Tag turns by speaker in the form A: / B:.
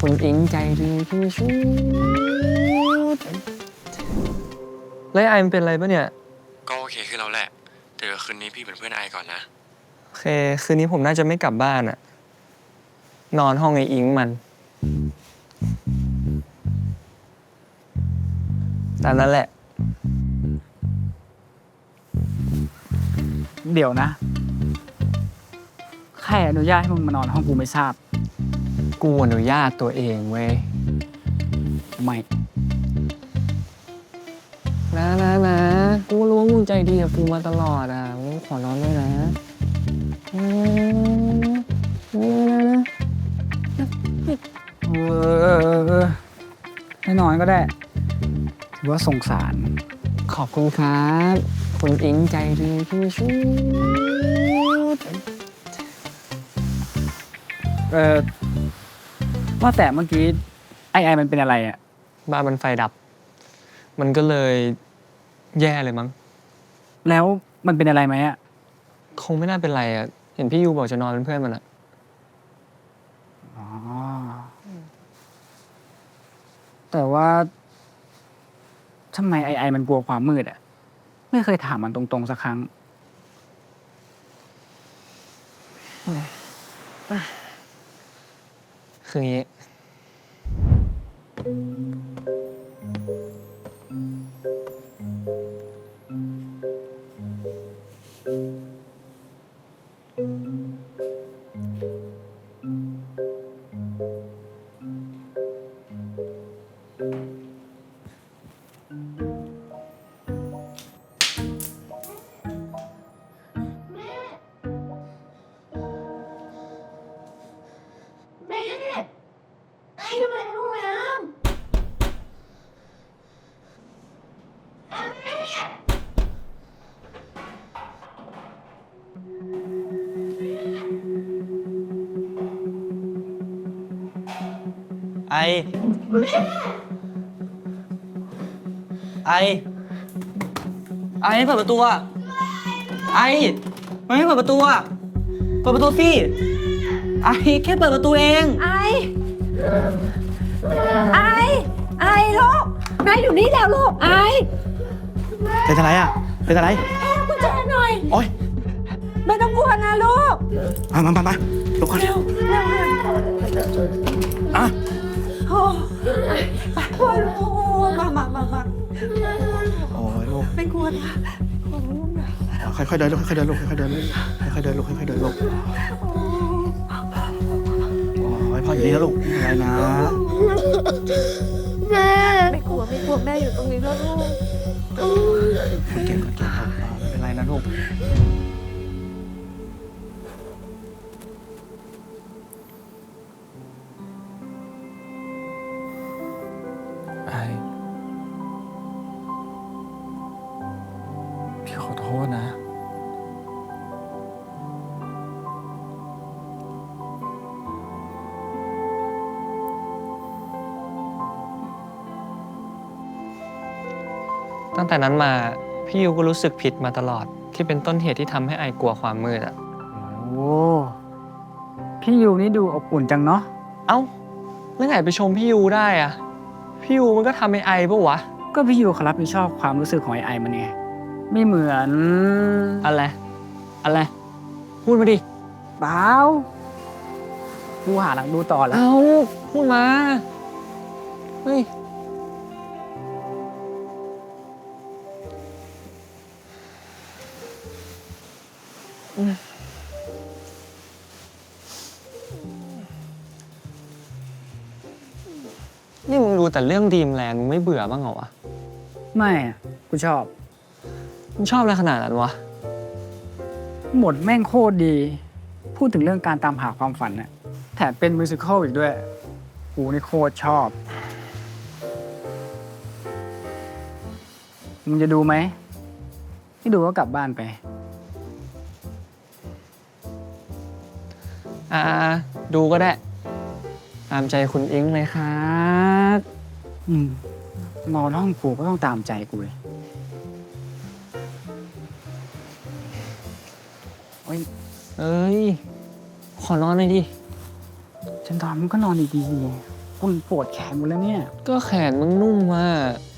A: คุณอิงใจดีที่สุดแล้วไอมันเป็นอะไรปะเนี่ย
B: ก็โอเคขึ้นแล้วแหละเดี๋ยวคืนนี้พี่เป็นเพื่อนไอก่อนนะ
A: โอเคคืนนี้ผมน่าจะไม่กลับบ้านอะนอนห้องไออิงมันตามนั้นแหละ
C: เดี๋ยวนะใครอนุญาตให้มึงมานอนห้องกูไม่ทราบ
A: กูอนุญาตตัวเองเว้ย
C: ไม่
A: นะกูรู้ว่ามึงใจดีกับกูมาตลอดอ่ะมึงขอนอนด้วยนะนะ
C: ไม่นอนก็ได้ถือว่าสงสาร
A: ขอบคุณครับคุณอิงใจดีที่สุด
C: ว่าแต่เมื่อกี้ไอมันเป็นอะไรอ่ะ
A: บ้านมันไฟดับมันก็เลยแย่เลยมั้ง
C: แล้วมันเป็นอะไรไหมอ่ะ
A: คงไม่น่าเป็นไรอ่ะเห็นพี่ยูบอกจะนอนเป็นเพื่อนมันอ่ะ
C: อ๋อแต่ว่าทำไมไอมันกลัวความมืดอ่ะไม่เคยถามมันตรงๆสักครั้ง
A: คืออย่างนี้
D: ไอเปิดประตูอะไอไม่เปิดประตูอะเปิดประตูสิไอแค่เปิดประตูเอง
E: ไอลูกแม่อยู่นี่แล้วลูกไอ
D: เป็นอะไรอะเป็นอะไร
E: กุญแจหน่อย
D: โอ๊ย
E: ไม่ต้องกลัวนะลูก
D: มาลุกก่อน
E: เร็ว
D: อ่ะ
E: โอ้ไปกลัวลูกมา
D: โอ้ยลูก
E: ไม่กลัวนะ
D: ค่อยๆเดินลูกค่อยๆเดินลูกค่อยๆเดินลูกค่อยๆเดินลูกค่อยๆเดินลูกโอ้ยพ่ออยู่นี่แล้วลูกไม่เป็นไรนะ
E: แม่ไม่กลัวแม่อยู่ตรงนี้แล้วลูก
D: เก่งครับไม่เป็นไรนะลูก
A: ไอพี่ขอโทษนะตั้งแต่นั้นมาพี่ยูก็รู้สึกผิดมาตลอดที่เป็นต้นเหตุที่ทำให้ไอกลัวความมืดอ่ะ
C: โอ้พี่ยูนี่ดูอบอุ่นจังเนาะ
A: เอ้าแล้วไงไปชมพี่ยูได้อ่ะพี่ยูมันก็ทำให้ไอปะวะ
C: ก็พี่ยูเขารับผิดชอบความรู้สึกของไอมันไงไม่เหมือน
A: อะไรพูดมาดิ
C: เปล่ากูหาหลังดูต่อแล้ว
A: เอาพูดมาเฮ้ยนี่มึงดูแต่เรื่องดีมแลนด์มึงไม่เบื่อบ้างเหรอวะ
C: ไม่กูชอบ
A: มึงชอบอะไรขนาดนั้นวะ
C: หมดแม่งโคตรดีพูดถึงเรื่องการตามหาความฝันน่ะแถมเป็นมิวสิคัลอีกด้วยกูนี่โคตรชอบมึงจะดูไหมไม่ดูก็กลับบ้านไป
A: ดูก็ได้ตามใจคุณอิงเลยครับ
C: นอนห้องกูก็ต้องตามใจกูเลย
A: เอ้ยขอนอนหน่อยดิ
C: ฉันนอนมึงก็นอนดีคุณปวดแขนหมดแล้วเนี่ย
A: ก็แขนมึงนุ่มว่ะ